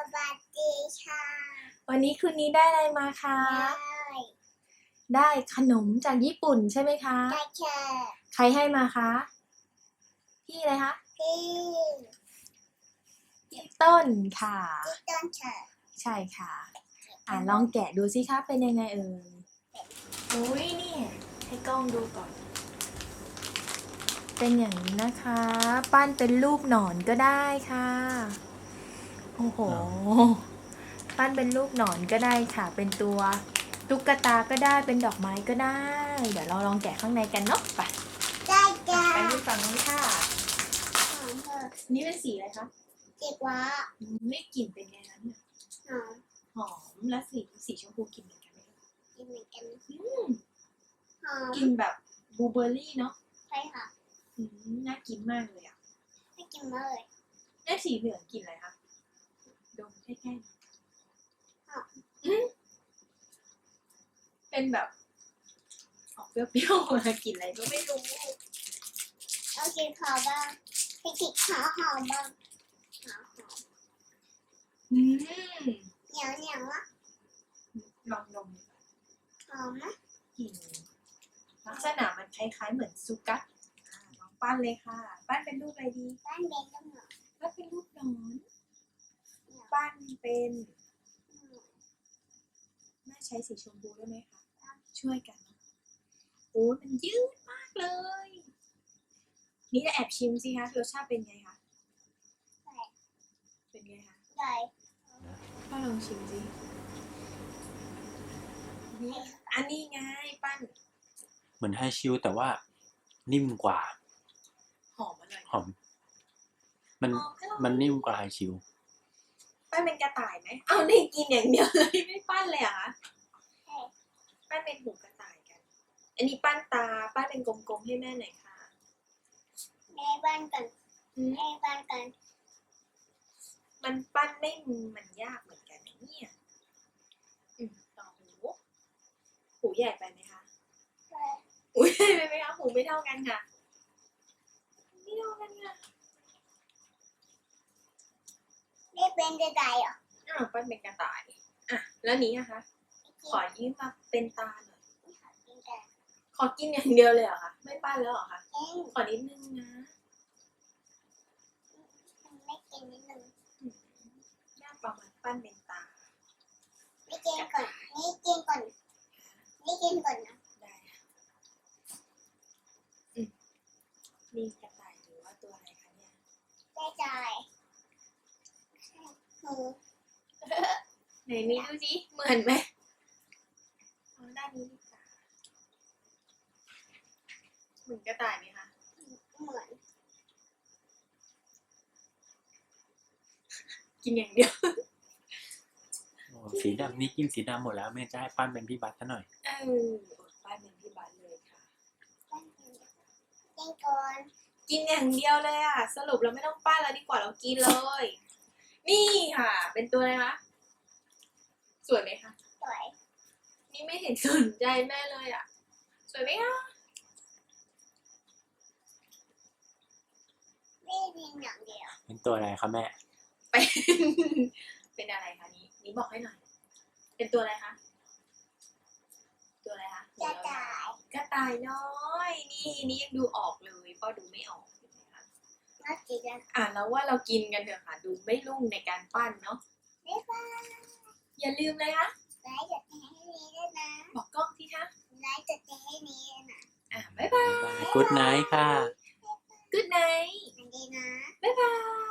วัสดีค่ะวันนี้คืนนี้ได้อะไรมาคะได้ขนมจากญี่ปุ่นใช่ไหมคะได้ค่ะใครให้มาคะพี่อะไรคะพี่ต้นค่ะต้นค่ะใช่ค่ะลองแกะดูสิคะเป็นยังไงเอ่ยอุ้ยนี่ให้กล้องดูก่อนเป็นอย่างนี้นะคะปั้นเป็นรูปหนอนก็ได้ค่ะโอ้โหปั้นเป็นรูปหนอนก็ได้ค่ะเป็นตัวตุ๊กตาก็ได้เป็นดอกไม้ก็ได้เดี๋ยวเราลองแกะข้างในกันเนาะไปได้ค่ะไปดูฝั่งนู้นค่ะหอมเถอะนี่เป็นสีอะไรคะจิกว่าไม่กลิ่นเป็นไงนั้นหอมหอมและสีชมพูกลิ่นเหมือนกันไหมคะกินเหมือนกันหอมกลิ่นแบบบลูเบอร์รี่เนาะใช่ค่ะน่ากินมากเลยอ่ะไม่กินมากเลยแล้วสีเหลืองกลิ่นอะไรคะดมใกล้ๆเป็นแบบออกเปรี้ยวๆกลิ่นอะไรก็ไม่รู้เอากินขาวบ้างให้กินขาวหอมบ้างหอมเหนียวเหนียวอ่ะลองดมหอมนะกลิ่นลักษณะมันคล้ายๆเหมือนซูกัสลองปั้นเลยค่ะปั้นเป็นรูปอะไรดีบ้านเบนต้องหอมปั้นเป็นรูปหนอนปั้นเป็นแม่ใช้สีชมพูได้ไหมคะช่วยกันโอ้มันยืดมากเลยนี่จะแอบชิมสิคะรสชาติเป็นไงคะเป็นไงคะได้ป้าลองชิมสินี่อันนี้ไงปั้นเหมือนไฮชิลแต่ว่านิ่มกว่าหอมอร่อยหอมมันนิ่มกว่าไฮชิลปั้นเป็นกระต่ายไหมเอาได้กินอย่างเดียวเลยไม่ปั้นเลยเหรอคะปั้นเป็นหูกระต่ายกันอันนี้ปั้นตาปั้นเป็นกลมๆให้แม่หน่อยค่ะแม่บ้านกันแม่บ้านกันมันปั้นไม่มันยากเหมือนกันนะเนี่ยต่อหูใหญ่ไปไหมคะหูใหญ่ไปไหมคะหูไม่เท่ากันค่ะไม่เท่ากันค่ะได้เป็นจะได้เหรอปั้นเป็นกระต่ายแล้วนี้นะคะขอยืมมาเป็นตาหน่อยขอกินอย่างเดียวเลยเหรอคะไม่ปั้นแล้วเหรอคะขอนิดนึงนะไม่กินนิดนึงยากประมาณปั้นเป็นตาไม่กินก่อนนี่กินก่อนนี่กินก่อนนะได้นี่กระต่ายหรือว่าตัวอะไรคะเนี่ยได้ใจไหนนี่ดูสิเหมือนไหมด้านนี้ดีกว่าเหมือนกระต่ายไหมคะเหมือนกินอย่างเดียวสีดำนี่กินสีดำหมดแล้วแม่จะให้ปั้นเป็นพี่บัตซะหน่อยปั้นเป็นพี่บัตเลยค่ะกินก่อนกินอย่างเดียวเลยอ่ะสรุปเราไม่ต้องปั้นแล้วดีกว่าเรากินเลยนี่ค่ะเป็นตัวอะไรคะสวยไหมคะสวยนี่ไม่เห็นสนใจแม่เลยอ่ะสวยไหมคะไม่กินอย่างเดียวเป็นตัวอะไรคะแม่เป็นอะไรคะนี่บอกให้หน่อยเป็นตัวอะไรคะตัวอะไรคะกระต่ายกระต่ายน้อยนี่ยังดูออกเลยพ่อดูไม่ออกเห็นไหมคะน่ากินแล้วว่าเรากินกันเถอะค่ะดูไม่รุ่งในการปั้นเนาะบ๊ายบายอย่าลืมเลยคะไลค์กดแชร์ให้นี้ด้วยนะบอกกล้องสิคะไลค์กดแชร์ให้นี้ด้วยนะบ๊ายบายกู๊ดไนท์ค่ะ Good night สวัสดีนะบ๊ายบาย